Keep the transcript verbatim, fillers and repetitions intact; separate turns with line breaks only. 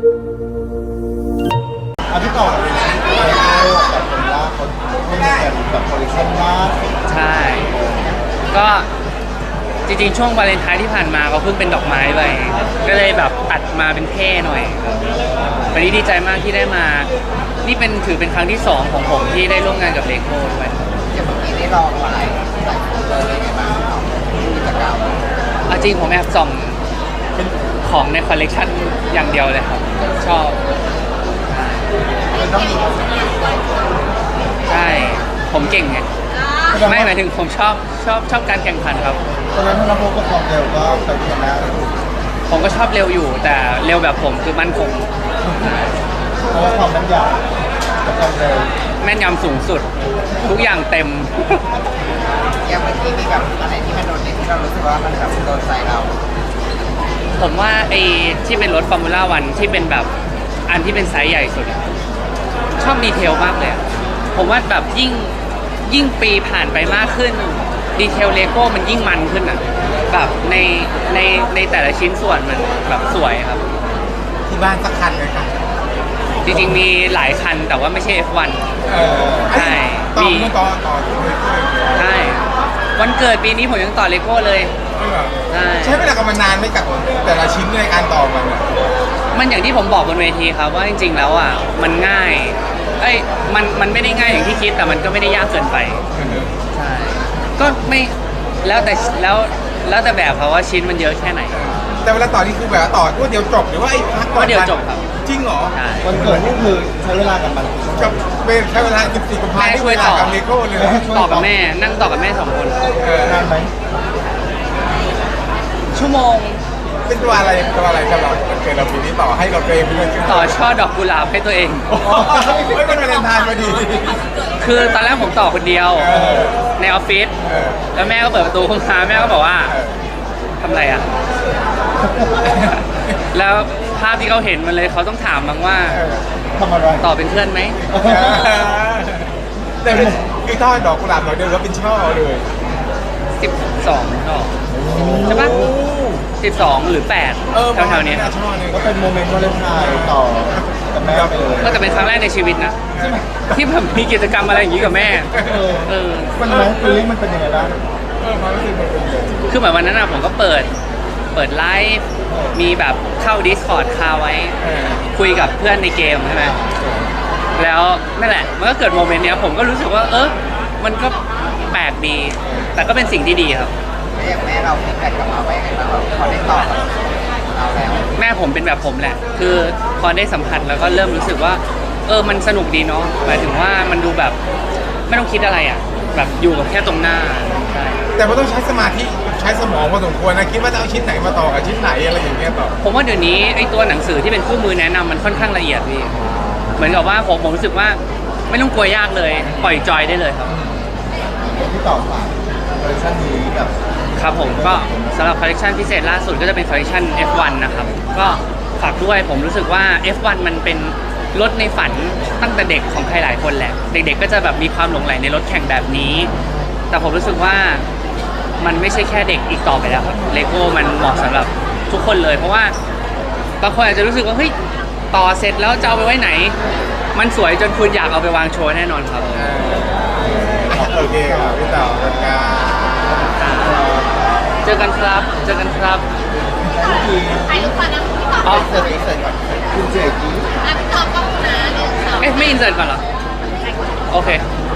อันที่ต่อเลยนะโอ้แบบคนละคนคนแก่แบบคอลเลคชันมาก
ใช่ก็จริงๆช่วงวาเลนไทน์ที่ผ่านมาก็เพิ่งเป็นดอกไม้ไปก็เลยแบบตัดมาเป็นเท่หน่อยวันนี้ดีใจมากที่ได้มานี่เป็นถือเป็นครั้งที่สองของผมที่ได้ร่วมงานกับเลโก้ด้วย
อย่างเมื่อกี้ได้ลองอะไรใส่เลยเป็นไงบ้างกิจกรรม
เอาจริงผมแอบส่องของในคอลเลกชันอย่างเดียวเลยครับชอบ
มันต้องมี
ใช่ผมเก่งไงไม่หมายถึงผมชอบชอบชอบการแข่งขันครับ
ตอนนั้นถ้าเราพบกับความเร็วก็ไปชนะ
ผมก็ชอบเร็วอยู่แต่เร็วแบบผมคือมั่นคง
เพราะว่าความแม่นยำกับความเร็ว
แม่นยำสูงสุดทุกอย่างเต็ม
อย่างเมื่อกี้มีแบบอะไรที่มันโดนเด่นที่เรารู้สึกว่ามันแบบโดนใจเรา
ผมว่าไอ้ที่เป็นรถฟอร์มูล่าวันที่เป็นแบบอันที่เป็นไซส์ใหญ่สุดชอบดีเทลมากเลยผมว่าแบบยิ่งยิ่งปีผ่านไปมากขึ้นดีเทลเลโก้มันยิ่งมันขึ้นอ่ะแบบในในในแต่ละชิ้นส่วนมันแบบสวยครับ
ที่บ้านสักคันเลยค่ะ
จริงๆมีหลายคันแต่ว่าไม่ใช่ เอฟ วัน
เออใช่
มี
ต่อต่อ
ใช่วันเกิดปีนี้ผมยังต่อเลโก้เลย
ใช่ใช้เวลากับมันนานไม่กับแต่ละชิ้นในการต่อมัน
มันอย่างที่ผมบอกบนเวทีครับว่าจริงๆแล้วอ่ะมันง่ายเอ้ยมันมันไม่ได้ง่ายอย่างที่คิดแต่มันก็ไม่ได้ยากเกินไปใช่ก็ไม่แล้วแต่แล้วแล้วแต่แบบเขาว่าชิ้นมันเยอะแค่ไหน
แต่เวลาต่อนี่คือแบบต่อว่าเดียวจบหรือว่าไอ้พักก่อน
เดียวจบครับ
จริงเหรอ
วันเกิดนี่คือใช้เวลากับมัน
กับเป็นใช้เวลาสิบสี่กุมภาพันธ์ที่เวลากับเลโก้เลย
ต่อกับแม่นั่งต่อกับแม่สองคน
นานไหม
ชั่วโมง
เป็นตัวอะไรตัวอะไรสำหรับวันเกิดเราปีนี้ต่อให้เราเองไปด้วย
ต่อช่อดอกกุหลาบให้ตัวเอง
ไม่เป็นวาเลนไทน์พอดี
คือตอนแรกผมต่อคนเดียวในออฟฟิศแล้วแม่ก็เปิดประตูเข้ามาแม่ก็บอกว่าทำอะไรอ่ะแล้วภาพที่เขาเห็นมันเลยเขาต้องถามบ้างว่า
ทำอะไร
ต่อเป็นเพื่อนไหม
แต่คือช่อดอกกุหลาบหน่อยเดียวแล้วเป็นช่อเลย
สิบสองดอกใช่ปะสิบสองหรือแปดแถวๆนี้
ก็เป็นโมเมนต์วาเลนไทน์ต่อกับแม่ไปเลย
ก็จะเป็นครั้งแรกในชีวิตนะที่แบบมีกิจกรรมอะไรอย่างนี้กับแม่
เออมันไหมฟีลลิ่งมันเป็นยังไงบ้าง
คือเหมือนวันนั้นอะผมก็เปิดเปิดไลฟ์มีแบบเข้า Discord คาไว้คุยกับเพื่อนในเกมใช่ไหมแล้วนั่นแหละมันก็เกิดโมเมนต์เนี้ยผมก็รู้สึกว่าเออมันก็แปลกดีแต่ก็เป็นสิ่งที่ดีครับ
อย่างแม่เราฟีดแบ็กกลับมาไว้ยังไงบ้างพอได้ตอบเราแล้ว
แม่ผมเป็นแบบผมแหละคือพอได้สัมผัสแล้วก็เริ่มรู้สึกว่าเออมันสนุกดีเนาะหมายถึงว่ามันดูแบบไม่ต้องคิดอะไรอ่ะแบบอยู่กับแค่ตรงหน้าใช่
แต่มันต้องใช้สมาธิใช้สมองพอสมควรนะคิดว่าจะเอาชิ้นไหนมาต่อกับชิ้นไหนอะไรอย่างเงี้ยต่อ
ผมว่าเดี๋ยวนี้ไอ้ตัวหนังสือที่เป็นคู่มือแนะนำมันค่อนข้างละเอียดพี่เหมือนกับว่าผมผมรู้สึกว่าไม่ต้องกลัวยากเลยปล่อยจอยได้เลยครับ
ที่ต่อมาคอลเลคชันนี้กับ
ครับผมก็สำหรับคอลเลคชันพิเศษล่าสุดก็จะเป็นคอลเลคชัน เอฟ วัน นะครับก็ฝากด้วยผมรู้สึกว่า เอฟ วัน มันเป็นรถในฝันตั้งแต่เด็กของใครหลายคนแหละเด็กๆก็จะแบบมีความหลงใหลในรถแข่งแบบนี้แต่ผมรู้สึกว่ามันไม่ใช่แค่เด็กอีกต่อไปแล้วครับเลโก้มันเหมาะสำหรับทุกคนเลยเพราะว่าบางคนอาจจะรู้สึกว่าเฮ้ยต่อเสร็จแล้วจะเอาไปไว้ไหนมันสวยจนคุณอยากเอาไปวางโชว์แน่นอนครับ
โอเคครับพี่ต่อ
เจอกันครับเจอกันครับ
ถ่ายรูปก่อนนะพี่ต่อ
อ๋อ
เสร็จเสร็จก่อนคุณเจกี้
อ่ะพี่ต่อก็นะหนึ่งสอง
เอ๊ะไม่อินเสิร์ตก่อนเหรอโอเค